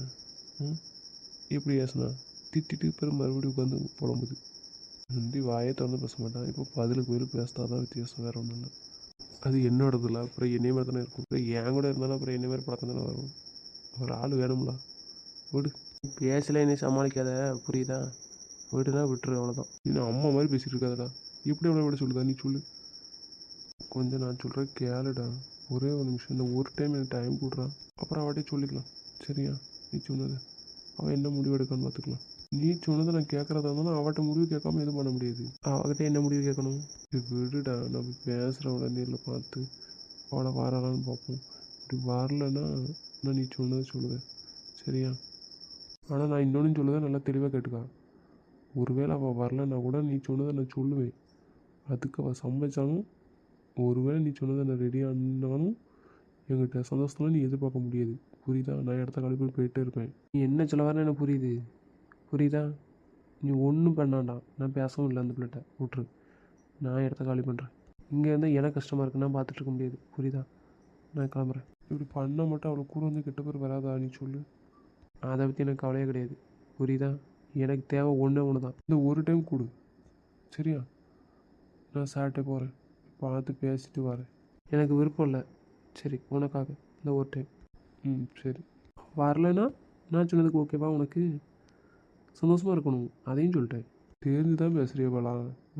[SPEAKER 1] எப்படி பேசுனா திட்டிட்டு பேர் மறுபடியும் உட்காந்து புலம்புது. முந்தி வாயை திறந்து பேச மாட்டான். இப்போ பதிலுக்கு பேசினா தான் வித்தியாசம், வேறு ஒன்றும் இல்லை. அது என்னோடது இல்லை. அப்புறம் என்னை மாதிரி தானே இருக்கும். அப்புறம் என் கூட இருந்தாலும் அப்புறம் என்னை மாதிரி பழக்கம் தானே வரும். ஒரு ஆள் வேணும்ல. விடு. பேசல என்னை சமாளிக்காத, புரியுதா? விடுனா விட்டுரு, அவ்வளோதான். இன்னும் அம்மா மாதிரி பேசிகிட்டு இருக்காதடா. எப்படி அவளை விட சொல்லுதா? நீ சொல்லு. கொஞ்சம் நான் சொல்கிறேன் கேளுடா. ஒரே ஒரு நிமிஷம், இந்த ஒரு டைம் எனக்கு டைம் கொடுறான். அப்புறம் அவட்டே சொல்லிக்கலாம். சரியா? நீ சொன்னது அவள் என்ன முடிவு எடுக்கான்னு பார்த்துக்கலாம். நீ சொன்னதை நான் கேட்குறதா இருந்தாலும் அவட்ட முடிவு கேட்காம எதுவும் பண்ண முடியாது. அவகிட்ட என்ன முடிவு கேட்கணும்? விடுடா, நம்ம பேசுகிறவளை நேரில் பார்த்து அவளை வரலான்னு பார்ப்போம். இப்படி வரலன்னா நான் நீ சொன்னதை சொல்லுதேன். சரியா? ஆனால் நான் இன்னொன்று சொல்லுதேன், நல்லா தெளிவாக கேட்டுக்கா. ஒருவேளை அவள் வரலன்னா கூட நீ சொன்னதை நான் சொல்லுவேன். அதுக்கு அவள் சமைச்சாலும், ஒருவேளை நீ சொன்னதை நான் ரெடியானாலும் என்கிட்ட சந்தோஷத்தில் நீ எதிர்பார்க்க முடியாது. புரியுதா? நான் இடத்த கழிப்பு போயிட்டே இருப்பேன். நீ என்ன சொல்ல வரேன்னு எனக்கு புரியுது. புரியுதா? நீ ஒன்றும் பண்ணாண்டா. நான் பேசவும் இல்லை அந்த பிள்ளைகிட்ட. விட்ரு. நான் இடத்த காலி பண்ணுறேன். இங்கே இருந்தால் எனக்கு கஷ்டமாக இருக்குது. நான் பார்த்துட்டு இருக்க முடியாது. புரியுதா? நான் கிளம்புறேன். இப்படி பண்ண மட்டும் அவ்வளோ கூட வந்து கெட்ட பேர் வராதா? நீ சொல்லு. அதை பற்றி எனக்கு கவலையே கிடையாது. புரியுதா? எனக்கு தேவை ஒன்று தான். இந்த ஒரு டைம் கொடு. சரியா? நான் சாட்டே போகிறேன். பார்த்து பேசிட்டு வரேன். எனக்கு விருப்பம் இல்லை. சரி, உனக்காக இந்த ஒரு டைம். சரி. வரலைன்னா நான் சொன்னதுக்கு ஓகேவா உனக்கு? சந்தோஷமாக இருக்கணும், அதையும் சொல்லிட்டேன். தெரிஞ்சு தான் பேசுகிறிய பாலா?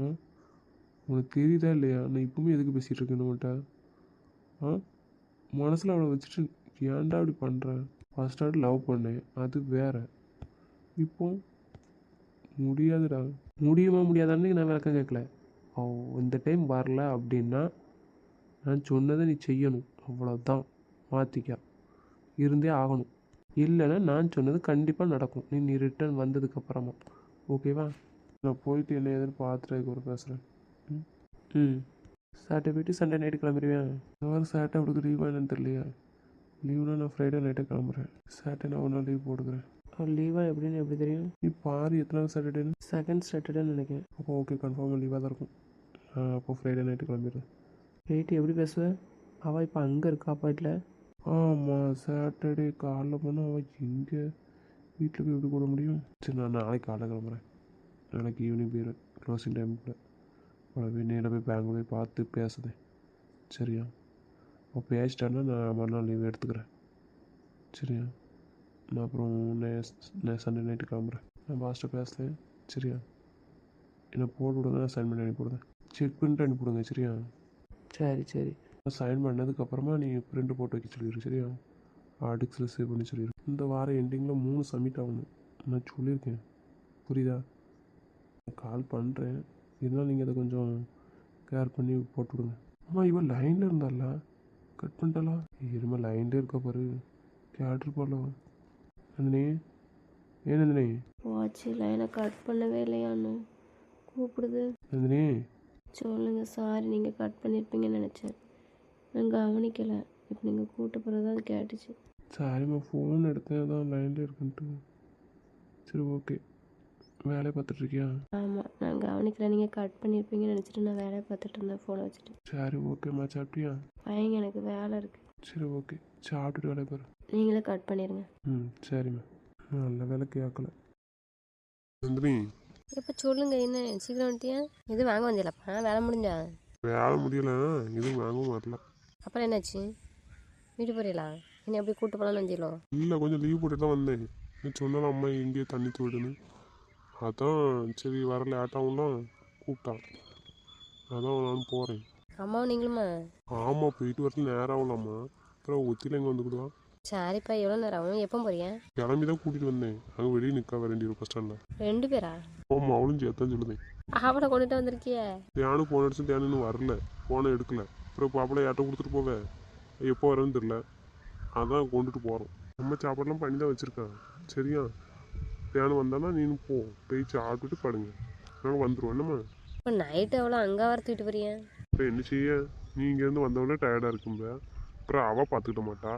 [SPEAKER 1] உனக்கு தெரியுதா இல்லையா? நான் இப்பவுமே எதுக்கு பேசிகிட்டு இருக்கேன் நம்மகிட்ட? மனசில் அவளை வச்சுட்டு ஏன்டா அப்படி பண்ணுறேன்? ஃபர்ஸ்ட் ஸ்டார்ட் லவ் பண்ணேன், அது வேற. இப்போ முடியாதுடா. முடியுமா முடியாதான்னு நான் விளக்கம் கேட்கல. இந்த டைம் வரல அப்படின்னா நான் சொன்னதை நீ செய்யணும், அவ்வளோதான். மாற்றிக்க இருந்தே ஆகணும். இல்லைன்னா நான் சொன்னது கண்டிப்பாக நடக்கும். நீ ரிட்டர்ன் வந்ததுக்கப்புறமா. ஓகேவா? நான் போயிட்டு என்ன ஏதுன்னு பார்த்துட்டு அதுக்கப்புறம் பேசுகிறேன். சாட்டர்டே போயிட்டு சண்டே நைட்டு கிளம்பிடுவேன். இந்த வாரம் சாட்டர்டே அவளுக்கு லீவாக என்னன்னு தெரியலையா? லீவுனா நான் ஃப்ரைடே நைட்டை கிளம்புறேன். சாட்டர்டே நான் ஒரு நாள் லீவ் போட்டுக்கிறேன். லீவாக எப்படின்னு எப்படி தெரியும்? நீ பாரு எத்தனாவது சாட்டர்டேன்னு. செகண்ட் சாட்டர்டேன்னு நினைக்கிறேன். அப்போ ஓகே, கன்ஃபார்மாக லீவாக தான் இருக்கும். அப்போ ஃப்ரைடே நைட்டு கிளம்பிடுறேன். போயிட்டு எப்படி பேசுவேன்? அவள் இப்போ அங்கே இருக்கா அப்பாட்டில்? ஆமாம், சாட்டர்டே காலைல போனால் அவள் எங்கே வீட்டில் போய் எப்படி கூட முடியும்? சரி, நான் நாளைக்கு காலைல கிளம்புறேன். நாளைக்கு ஈவினிங் போயிடுவேன், க்ளோசிங் டைமுக்குள்ள. அவளை போய் நேரில் போய் பேங்க் போய் பார்த்து பேசுதேன். சரியா? அவள் பேசிட்டான்னா நான் மறுநாள் லீவ் எடுத்துக்கிறேன். சரியா? நான் அப்புறம் நான் சண்டே நைட்டு கிளம்புறேன். நான் பாஸ்ட்டை பேசுகிறேன். சரியா? என்னை போட்டு விடுங்க, நான் சைன் பண்ணி அனுப்பிவிடுங்க. செக் பண்ணிட்டு அனுப்பிவிடுங்க. சரியா? சரி சரி. நான் சைன் பண்ணதுக்கப்புறமா நீ பிரிண்ட் போட்டு வைக்க சொல்லிடு. சரியா? ஆர்டிக்ஸில் சேவ் பண்ணி சொல்லிடு. இந்த வாரம் எண்டிங்கில் 3 சப்மிட் ஆகணும், நான் சொல்லியிருக்கேன். புரியுதா? நான் கால் பண்ணுறேன், இருந்தாலும் நீங்கள் அதை கொஞ்சம் கேர் பண்ணி போட்டு விடுங்க. ஆமாம், இவன் லைனில் இருந்தால கட் பண்ணிட்டாலா? இருமா, லைன்லேயே இருக்க பாரு, கேட்டிருப்பாளோ. நந்தினி, ஏன் நந்தினி?
[SPEAKER 2] வாட்ச் லைனை கட் பண்ணவே இல்லையான்னு கூப்பிடுது.
[SPEAKER 1] நந்தினி,
[SPEAKER 2] சொல்லுங்கள். சாரி, நீங்கள் கட் பண்ணியிருப்பீங்கன்னு நினச்சேன், நான் கவனிக்கலை. இப்போ நீங்கள் கூப்பிட்ட பிறகு தான் அது கேட்டுச்சு.
[SPEAKER 1] சாரிம்மா, ஃபோன் எடுத்தேன், அதான் லைனில் இருக்குன்ட்டு. சரி, ஓகே. வேலையை பார்த்துட்ருக்கியா? ஆமாம், நான் கவனிக்கலை. நீங்கள் கட் பண்ணியிருப்பீங்கன்னு நினச்சிட்டு நான் வேலையை பார்த்துட்டு இருந்தேன் ஃபோனை வச்சுட்டு. சரி, ஓகேம்மா. சாப்பிட்டியா? பயங்க, எனக்கு வேலை இருக்குது. சரி, ஓகே. சாப்பிட்டுட்டு வேலையை பாரு. நீங்களே கட் பண்ணிடுங்க. சரிம்மா. நல்ல வேலை கேட்கல. நந்தினி,
[SPEAKER 2] இப்போ சொல்லுங்கள், என்ன சீக்கிரம் வந்துட்டியா? எதுவும் வாங்க வந்தியலப்பா? வேலை முடிஞ்சா?
[SPEAKER 1] வேலை முடியல, எதுவும் வாங்கவும் வரல.
[SPEAKER 2] அப்புறம் என்னாச்சு? வீட்டு போறீங்களா? என்ன எப்படி கூட்டு போகலான்னு வந்தீங்களோ?
[SPEAKER 1] இல்லை, கொஞ்சம் லீவ் போட்டு தான் வந்தேன். நீ சொன்னாலும் அம்மா எங்கேயோ தண்ணி தோடுன்னு, அதான் சரி வர லேட்டாகும்லாம் கூப்பிட்டான், அதான் நானும் போகிறேன்.
[SPEAKER 2] அம்மாவும் நீங்களுமா?
[SPEAKER 1] ஆமாம், போயிட்டு வரல நேரம் ஆகலாமா, அப்புறம் ஒத்தியில் எங்கே வந்துக்கிடுவான்.
[SPEAKER 2] சரிப்பா, எவ்வளோ நேரம் ஆகும்? எப்போ போறீங்க?
[SPEAKER 1] கிளம்பி தான் கூட்டிகிட்டு வந்தேன், அங்கே வெளியே நிற்க வேண்டிய பஸ் ஸ்டாண்டில்.
[SPEAKER 2] 2 பேரா?
[SPEAKER 1] ஆமாம், அவளும் சேர்த்தான் சொல்லுதேன்.
[SPEAKER 2] அவளை கொண்டுட்டு வந்திருக்கிய?
[SPEAKER 1] தியானு ஃபோன் அடிச்சு தியானு இன்னும் வரல, ஃபோனை எடுக்கல. அப்புறம் பாப்பளை யார்ட்ட கொடுத்துட்டு போவேன், எப்போ வரேன்னு தெரில, அதான் கொண்டுட்டு போகிறோம். நம்ம சாப்பாடெலாம் பண்ணி தான் வச்சுருக்கான். சரியா, தியானம் வந்தானா நீனும் போ, போய் சாப்பிட்டுட்டு படுங்க, நாங்கள் வந்துடுவோம். என்னம்மா
[SPEAKER 2] இப்போ நைட்டு எவ்வளோ அங்கே வர தூக்கிட்டு போறீங்க?
[SPEAKER 1] அப்புறம் என்ன செய்ய, நீ இங்கேருந்து வந்தவொடனே டயர்டாக இருக்கும்ப, அப்புறம் அவள் பார்த்துக்கிட்ட மாட்டா,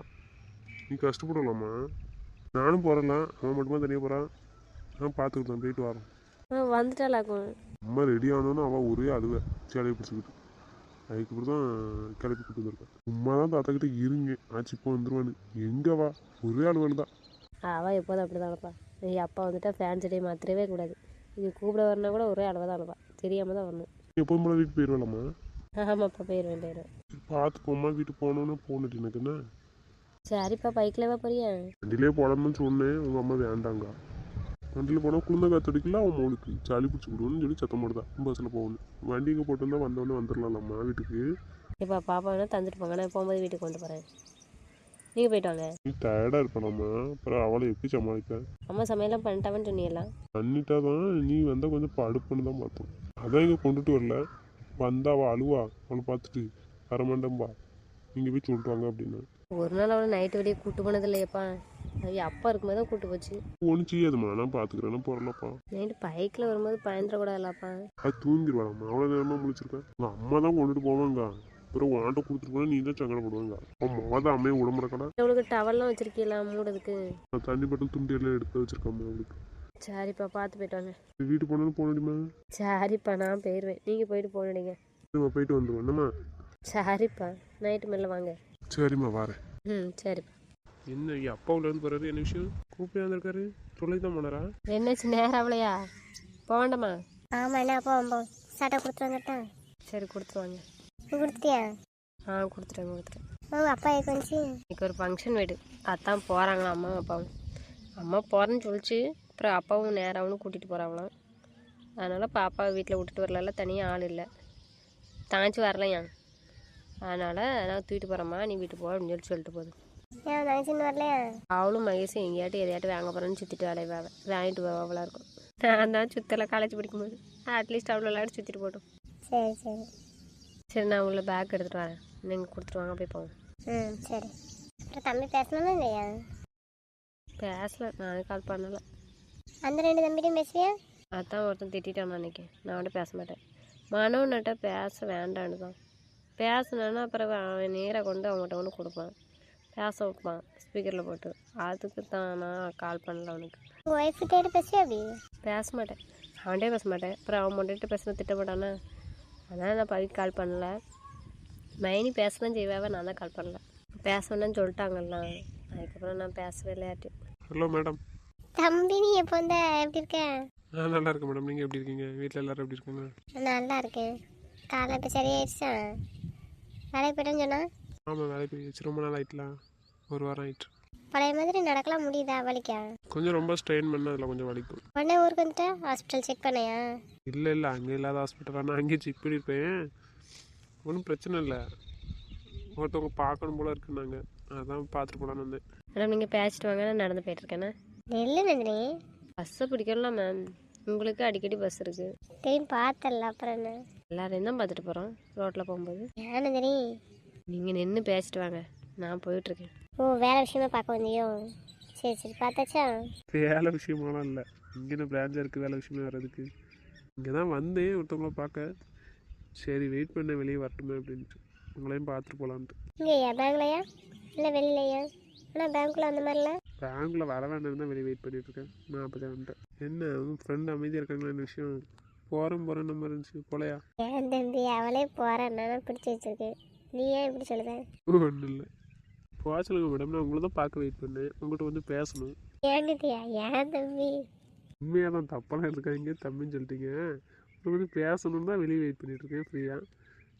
[SPEAKER 1] நீ கஷ்டப்படலாமா. நானும் போகிறேன்ல, அவன் மட்டுமா தனியாக போகிறான், நான் பார்த்துக்கிட்டேன், போயிட்டு வரோம்.
[SPEAKER 2] வந்துட்டாலாக்கும்.
[SPEAKER 1] அம்மா ரெடி ஆனோன்னு அவள் ஒரே அழுவ சேலையை பிடிச்சிக்கிட்டு, அதுக்கப்புறம் தான் கிளப்பி கூட்டு வந்திருக்கேன். உமா தான் தாத்தாக்கிட்ட இருங்க ஆச்சு இப்போ வந்துடுவான்னு, எங்கே வா ஒரே அழுவல் தான்.
[SPEAKER 2] அவள் எப்போதும் அப்படி தான் அழுப்பா. அப்பா வந்துட்டா ஃபேன் செடியை மாற்றவே கூடாது. இது கூப்பிட வரனா கூட ஒரே அளவாக தான் அழுவா. தெரியாமல் தான் வரணும்.
[SPEAKER 1] எப்போதும் போல வீட்டுக்கு போயிடுவாளாம்மா.
[SPEAKER 2] ஆமாப்பா, போயிடுவேன்.
[SPEAKER 1] பார்த்து போம்மா, வீட்டுக்கு போகணுன்னு போனட்டு எனக்கு என்ன.
[SPEAKER 2] சரிப்பா, பைக்கில் போறியா?
[SPEAKER 1] வண்டியிலே போடாமன்னு சொன்னேன், உங்கள் அம்மா வேண்டாங்க. வண்டியில் போனால் குளிர்ந்த காத்தடிக்கல, அவன் மவுளுக்கு சளி பிடிச்சி விடுவோன்னு சொல்லி சத்தம் போடுதான் பஸ்ஸில் போகணும். வண்டி இங்கே போட்டு வந்தோடனே வந்துடலாம்மா வீட்டுக்கு.
[SPEAKER 2] இப்போ பாப்பா வேணா தந்துட்டு போங்க, நான் போகும்போது வீட்டுக்கு கொண்டு போகிறேன். நீங்கள் போயிட்டு வாங்க.
[SPEAKER 1] நீ டயர்டாக இருப்பானாம்மா, அப்புறம் அவளை எப்படி சமாளிக்க.
[SPEAKER 2] அம்மா சமையலாம் பண்ணிட்டாவன்னு சொன்னீங்களா?
[SPEAKER 1] பண்ணிட்டா தான், நீ வந்தால் கொஞ்சம் படுப்புன்னு தான் பார்த்தோம், அதான் இங்கே கொண்டுட்டு வரல. வந்தா அவள் அழுவா, அவளை பார்த்துட்டு வரமாட்டேன்பா, நீங்கள் போய் சொல்லிட்டு வாங்க அப்படின்னு.
[SPEAKER 2] ஒரு நாள் அவளை நைட்டு வெளியே கூட்டு போனது இல்லையப்பா. அது அப்பா இருக்கும்போது தான் கூட்டு போச்சு.
[SPEAKER 1] ஒன்றும் செய்யாதுமா, நான் பார்த்துக்கிறேன், போகிறலப்பா.
[SPEAKER 2] நைட்டு பைக்கில் வரும்போது பயந்துடக்கூடாதுல்லப்பா.
[SPEAKER 1] அது தூங்கிடுவாளாம்மா, அவ்வளோ நேரமாக முடிச்சிருக்கேன். உங்கள் அம்மா தான் கொண்டுட்டு போவாங்க, அப்புறம் வாண்ட கொடுத்துட்டு போனால் நீ தான் சங்கடப்படுவாங்க. அவன் மொதல் அம்மையை விடமுறக்கடா.
[SPEAKER 2] அவளுக்கு டவல்லாம் வச்சிருக்கீங்களா மூடுறதுக்கு?
[SPEAKER 1] நான் தண்ணி பட்டம் துண்டு எல்லாம் எடுத்து வச்சிருக்காம்மா அவளுக்கு.
[SPEAKER 2] சரிப்பா, பார்த்து போயிட்டு வாங்க.
[SPEAKER 1] வீட்டு போனாலும் போனடிமா.
[SPEAKER 2] சரிப்பா, நான் போயிடுவேன், நீங்கள் போயிட்டு போனீங்க.
[SPEAKER 1] சரிம்மா, போயிட்டு வந்துடுவோம். என்னம்மா?
[SPEAKER 2] சரிப்பா, நைட்டு மேலே வாங்க.
[SPEAKER 1] சரிம்மா, வரேன்.
[SPEAKER 2] சரிப்பா.
[SPEAKER 1] என்ன அப்பாவுலேருந்து போகிறது, என்ன விஷயம்? கூப்பிட்டு வந்திருக்காரு, சொல்லி தான் போனாரா?
[SPEAKER 2] என்னாச்சு, நேரம் அவளையா? போக வேண்டாமா?
[SPEAKER 3] ஆமாம், என்ன அப்போ சட்டை கொடுத்துட்டு வந்துட்டேன்.
[SPEAKER 2] சரி, கொடுத்துருவாங்க.
[SPEAKER 3] கொடுத்துட்டியா?
[SPEAKER 2] கொடுத்துட்டேன்.
[SPEAKER 3] உங்கள் அப்பா எதுக்கு வந்துச்சு?
[SPEAKER 2] இன்னைக்கு ஒரு ஃபங்க்ஷன் வீடு, அதான் போகிறாங்களா அம்மாவும் அப்பாவும். அம்மா போகிறேன்னு சொல்லிச்சு, அப்புறம் அப்பாவும் நேராகவும் கூட்டிகிட்டு போகிறாங்களாம். அதனால் பாப்பாவை வீட்டில் விட்டுட்டு வரல, தனியாக ஆள் இல்லை, தாஞ்சி வரலையா. அதனால் நான் தூக்கிட்டு போகிறேம்மா, நீ வீட்டுக்கு போ அப்படின்னு சொல்லிட்டு போகுது.
[SPEAKER 3] ஏன் தங்கச்சின்னு வரலையா?
[SPEAKER 2] அவளும் மகேஷும் எங்கேயாட்டும் எதையாட்டும் வாங்க போகிறேன்னு சுற்றிட்டு வேலையை வாங்கிட்டு போவாங்களா இருக்கும். நான் தான் சுற்றலை காலேஜ் படிக்கும்போது, அட்லீஸ்ட் அவ்வளோ விளையாட்டு சுற்றிட்டு போட்டோம்.
[SPEAKER 3] சரி,
[SPEAKER 2] நான் உள்ள பேக் எடுத்துகிட்டு வரேன், நீங்கள் கொடுத்துருவாங்க, போய் போவோம்.
[SPEAKER 3] சரி. அப்புறம் தம்பி பேசணும்னா இல்லையா?
[SPEAKER 2] பேசல, நானே கால் பண்ணலை.
[SPEAKER 3] அந்த 2 தம்பிட்டையும் பேசுவியா?
[SPEAKER 2] அதான் ஒருத்தன் திட்டான் அன்றைக்கி, நான் அவன்கிட்ட பேச மாட்டேன். மனோன்னுட்ட பேச வேண்டான்னு தான். பேசினேன்னா அப்புறம் அவன் நேராக கொண்டு அவங்ககிட்ட ஒன்று கொடுப்பான், பேச வைப்பான் ஸ்பீக்கரில் போட்டு. அதுக்கு தான் நான் கால் பண்ணல அவனுக்கு.
[SPEAKER 3] உங்கள் ஒய்ஃப்கிட்ட பேசுவியா? அப்படி
[SPEAKER 2] பேச மாட்டேன், அவன்கிட்டே பேச மாட்டேன். அப்புறம் அவன் மட்டும் பேசினா திட்டப்பட்டானே, அதான் நான் பவிக்கு கால் பண்ணல. மைனி பேச தான் செய்வாவே, நான் தான் கால் பண்ணல. பேச வேண்டாம்னு சொல்லிட்டாங்கல்ல, அதுக்கப்புறம் நான் பேசவே இல்லையாட்டி.
[SPEAKER 1] Hello madam.
[SPEAKER 3] தம்பி, நீ எப்போ வந்த? எப்படி இருக்க?
[SPEAKER 1] நான் நல்லா இருக்கேன் மேடம், நீங்கள் எப்படி இருக்கீங்க? வீட்டில் எல்லோரும் எப்படி இருக்காங்க?
[SPEAKER 3] நல்லா இருக்கேன். காலை இப்போ சரியாயிடுச்சா? வேலைக்கு போய்ட்டேன்னு சொன்னா?
[SPEAKER 1] ஆமாம், வேலைக்கு போயிடுச்சு, ரொம்ப நாள் ஆயிட்டலாம், 1 வாரம் ஆயிட்டு.
[SPEAKER 3] பழைய மாதிரி நடக்கலாம் முடியுதா? வலிக்கா?
[SPEAKER 1] கொஞ்சம் ரொம்ப ஸ்ட்ரெயின் பண்ண அதில் கொஞ்சம் வலிக்கும்.
[SPEAKER 3] உடனே ஊருக்கு வந்துட்டா ஹாஸ்பிட்டல் செக் பண்ணையா?
[SPEAKER 1] இல்லை அங்கே இல்லாத ஹாஸ்பிட்டல், நான் அங்கேயே செக் பண்ணியிருப்பேன், ஒன்றும் பிரச்சனை இல்லை. ஒருத்தவங்க பார்க்கணும் போல இருக்குன்னாங்க, அதான் பார்த்துட்டு போகலான்னு வந்தேன்.
[SPEAKER 2] மேடம், நீங்கள் பேசிட்டு வாங்க, நான் நடந்து போயிட்டுருக்கேண்ணே.
[SPEAKER 3] நெல்லு நந்தினி,
[SPEAKER 2] பஸ்ஸை பிடிக்கலாம் மேம், உங்களுக்கு அடிக்கடி பஸ் இருக்குது.
[SPEAKER 3] திரும்பி பார்த்தல, அப்புறம் என்ன?
[SPEAKER 2] எல்லாரையும் தான் பார்த்துட்டு போகிறோம் ரோட்டில் போகும்போது.
[SPEAKER 3] ஏன் நந்தினி?
[SPEAKER 2] நீங்கள் நின்று பேசிட்டு வாங்க, நான் போயிட்டுருக்கேன்.
[SPEAKER 3] ஓ, வேலை விஷயமா பார்க்க வந்தியோ? சரி, பார்த்தாச்சா?
[SPEAKER 1] வேலை விஷயமாலாம் இல்லை, இங்கே பிரான்ச்சாக இருக்குது, வேலை விஷயமா வர்றதுக்கு. இங்கே தான் வந்தேன் ஒருத்தவங்கள பார்க்க, சரி வெயிட் பண்ண வெளியே வரட்டுமே அப்படின்ட்டு, உங்களையும் பார்த்துட்டு போகலான்ட்டு.
[SPEAKER 3] இங்கேயா? பேங்க்லையா இல்லை வெளியிலையா? ஆனால் பேங்க்கில் அந்த மாதிரிலாம்.
[SPEAKER 1] பேங்க்கில் வர வேண்டாம் தான் வெளியே வெயிட் பண்ணிகிட்ருக்கேன், நான் அப்போ தான் வந்துட்டேன். என்ன உங்கள் ஃப்ரெண்டு அமைதியாக இருக்காங்களா, என்ன விஷயம்? போகிறேன் நம்ம இருந்துச்சு போலையா?
[SPEAKER 3] ஏன் தம்பி, அவளே போகிறேன், நான் பிடிச்சி வச்சிருக்கேன், நீ ஏன் இப்படி சொல்லுத?
[SPEAKER 1] ஒன்றும் இல்லை, போக சொல்லுங்கள் மேடம், நான் உங்களை தான் பார்க்க வெயிட் பண்ணேன், உங்கள்கிட்ட வந்து பேசணும்.
[SPEAKER 3] ஏன்னுட்டியா? ஏன் தம்பி?
[SPEAKER 1] உண்மையாக தான், தப்பெல்லாம் இருக்காங்க, தம்பின்னு சொல்லிட்டீங்க. உங்களுக்கு வந்து பேசணும் தான் வெளியே வெயிட் பண்ணிகிட்ருக்கேன் ஃப்ரீயாக.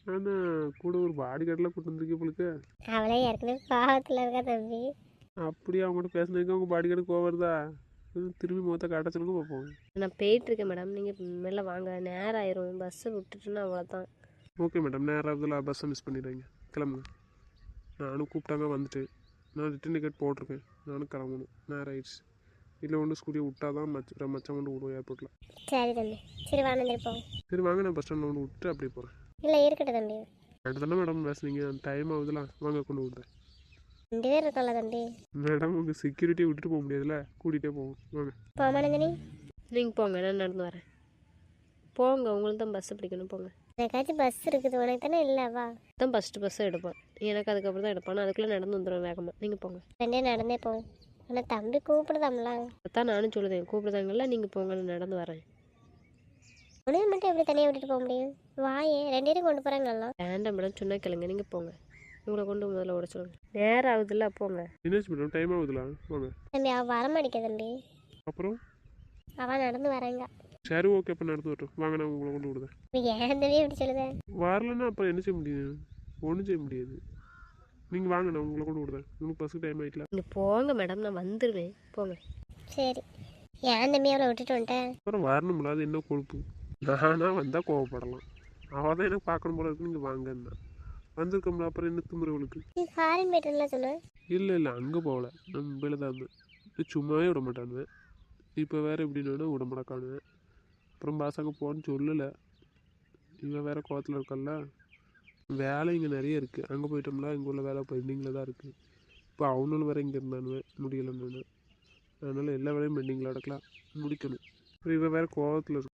[SPEAKER 1] ஆனால் கூட ஒரு பாடி கார்டெலாம் கூட்டு வந்திருக்கே உங்களுக்கு.
[SPEAKER 3] அவளே ஏற்கனவே பாவத்தில் இருக்கா தம்பி.
[SPEAKER 1] அப்படியே அவங்ககிட்ட பேசுனதுக்கு அவங்க பாடி கார்டு கோவம் வருதா? திரும்பி முகத்தை காட்ட சொல்லுங்க பார்ப்போம்.
[SPEAKER 2] நான் போயிட்டுருக்கேன் மேடம், நீங்கள் மேலே வாங்க, நேரம் ஆயிரும், பஸ்ஸை விட்டுட்டுன்னா அவ்வளோதான்.
[SPEAKER 1] ஓகே மேடம், நேரம் இதில் பஸ்ஸை மிஸ் பண்ணிடுறீங்க, கிளம்புங்க. நானும் கூப்பிட்டாங்க வந்துட்டு, நான் ரிட்டன் டிக்கெட் போட்டிருக்கேன், நானும் கிளம்பணும், நேரம் ஆயிடுச்சு. இல்லை ஒன்று ஸ்கூட்டியை விட்டா தான் மச்சான் கொண்டு விடுவோம் ஏர்போர்ட்டில்.
[SPEAKER 3] சரி தம்பி, சரி வாங்க போவோம்.
[SPEAKER 1] சரி வாங்க, நான் பஸ் ஸ்டாண்டில் கொண்டு விட்டு அப்படியே போகிறேன்.
[SPEAKER 3] இல்லை இருக்கட்டும் தம்பி.
[SPEAKER 1] ரெண்டு தானே மேடம் பேசுனீங்க, டைம் ஆகுதுலாம், வாங்க கொண்டு விடுறேன்.
[SPEAKER 3] 2 பேர் இருக்கோம்ல தம்பி.
[SPEAKER 1] மேடம் உங்கள் செக்யூரிட்டியை விட்டுட்டு போக முடியாதுல்ல, கூட்டிகிட்டே போவோம், வாங்க.
[SPEAKER 3] போமா நந்தினி.
[SPEAKER 2] நீங்கள் போங்க, நான் நடந்து வரேன். போங்க, உங்களுக்கு தான் பஸ்ஸு பிடிக்கணும், போங்க.
[SPEAKER 3] எனக்காச்சும் பஸ் இருக்குது, உனக்கு தானே இல்லைவா?
[SPEAKER 2] தான் ஃபஸ்ட்டு பஸ்ஸை எடுப்பேன், எனக்கு அதுக்கப்புறம் தான் எடுப்பேன். நான் அதுக்குள்ளே நடந்து வந்துடுவேன் வேகமாக. நீங்கள் போங்க.
[SPEAKER 3] 2 பேரும் நடந்தே போவோம். ஆனால் தம்பி கூப்பிடுதாம்ல.
[SPEAKER 2] அதான் நானும் சொல்லுதேன், கூப்பிடுதாங்கல்ல, நீங்கள் போங்க, நான் நடந்து வரேன்.
[SPEAKER 3] உனக்கு மட்டும் எப்படி தனியாக விட்டுட்டு போக முடியும்? வாயே, 2 பேரும் கொண்டு போகிறாங்கல்லாம்.
[SPEAKER 2] வேண்டாம் மேடம், சொன்னால் கேளுங்க, நீங்கள் போங்க. உங்களை கொண்டு முதல்ல ஓட சொல்லுங்க. நேரம் ஆகுதுல்ல, போங்க.
[SPEAKER 1] என்னாச்சு மேடம், டைம் ஆகுதுலாம், வாங்க.
[SPEAKER 3] தம்பி அவள் வரமாட்டேங்க தம்பி.
[SPEAKER 1] அப்புறம்
[SPEAKER 3] அவள் நடந்து வராங்க.
[SPEAKER 1] சரி ஓகே, அப்போ நடந்து வரட்டும், வாங்க, நான் உங்களை கொண்டு விடுதேன்.
[SPEAKER 3] ஏன் தம்பி எப்படி சொல்லுதேன்?
[SPEAKER 1] வரலன்னா அப்புறம் என்ன செய்ய முடியும்? ஒன்றும் செய்ய முடியாது. நீங்கள் வாங்க, நான் உங்களை கொண்டு விடுதேன், உங்களுக்கு பஸ்ஸுக்கு டைம் ஆகிட்டல.
[SPEAKER 2] நீங்கள் போங்க மேடம், நான் வந்துடுவேன், போங்க.
[SPEAKER 3] சரி, ஏன் தம்பி அவளை விட்டுட்டு வந்துட்டேன்?
[SPEAKER 1] அப்புறம் வரணும்ல, அது என்ன கொழுப்பு? நானாக வந்தால் கோவப்படலாம், அவள் தான் எனக்கு பார்க்கணும் போல இருக்கு, நீங்கள் வாங்கன்னா வந்திருக்கோம்ல, அப்புறம் என்ன திமுறவளுக்கு?
[SPEAKER 3] நீ ஃபாரின் போய்ட்டுலாம் சொன்னேன்.
[SPEAKER 1] இல்லை அங்கே போகல, நான் மும்பையில் தான் இருந்தேன். சும்மாவே விட மாட்டானுவேன், இப்போ வேறு எப்படின்னு விட மாட்டானுவேன். அப்புறம் பாசாங்க போன்னு சொல்லலை, இவன் வேறு கோவத்தில் இருக்கல்ல. வேலை இங்கே நிறைய இருக்குது, அங்கே போயிட்டோம்னா இங்கே உள்ள வேலை பெண்டிங்கில் தான் இருக்குது. இப்போ அவனும் வேறு இங்கே இருந்தானுவேன், முடியலைன்னு. அதனால் எல்லா வேலையும் பெண்டிங்கில் அடக்கலாம், முடிக்கணும். அப்புறம் இவன் வேறு கோவத்தில் இருக்கு.